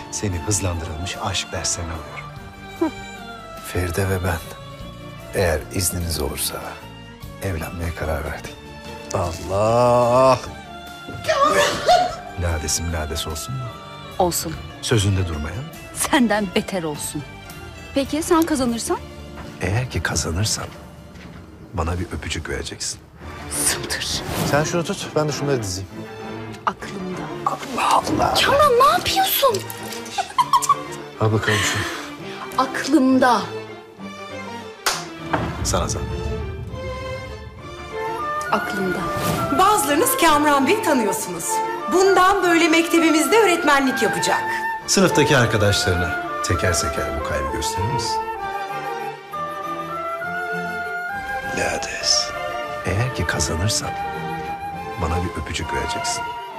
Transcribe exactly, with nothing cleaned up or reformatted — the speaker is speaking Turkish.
Seni hızlandırılmış aşk derslerine alıyorum. Feride ve ben, eğer izniniz olursa evlenmeye karar verdik. Allah! Ladesim lades olsun mu? Olsun. Sözünde durmayan. Senden beter olsun. Peki sen kazanırsan? Eğer ki kazanırsam bana bir öpücük vereceksin. Sımtır. Sen şunu tut, ben de şunları dizeyim. Aklımda. Allah Allah! Kamran ne yapıyorsun? Al bakalım şunu. Aklımda. Sana zahmet. Aklımda. Bazılarınız Kamran Bey tanıyorsunuz. Bundan böyle mektebimizde öğretmenlik yapacak. Sınıftaki arkadaşlarına teker teker bu kaybı gösterir misin? Lades, eğer ki kazanırsam bana bir öpücük vereceksin.